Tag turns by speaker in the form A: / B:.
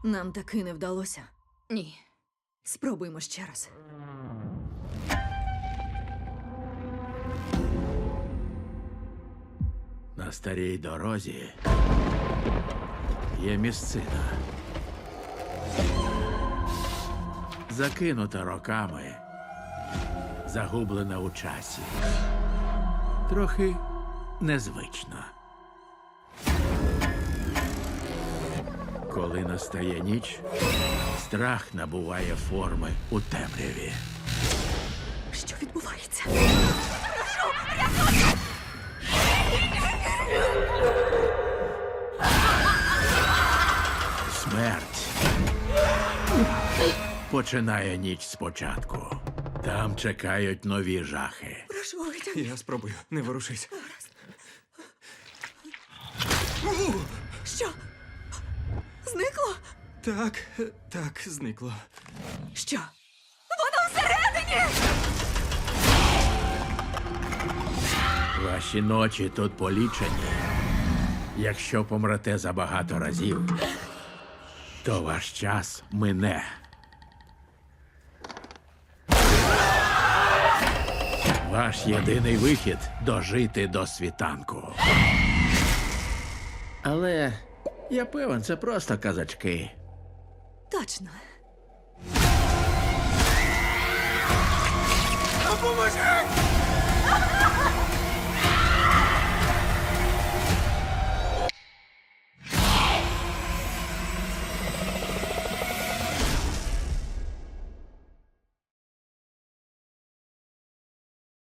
A: Нам таки не вдалося.
B: Ні.
A: Спробуймо ще раз.
C: На старій дорозі є місцина. Закинута роками, загублена у часі. Трохи незвично. Коли настає ніч, страх набуває форми у темряві.
A: Що відбувається?
C: Смерть починає ніч спочатку. Там чекають нові жахи.
A: Прошу, витягни.
D: Я спробую, не ворушись.
A: Що? Зникло?
D: Так, зникло.
A: Що? Воно всередині!
C: Ваші ночі тут полічені. Якщо помрете забагато разів, то ваш час мине. Ваш єдиний вихід – дожити до світанку. Але я певен, це просто казачки.
A: Точно.
D: Допоможи!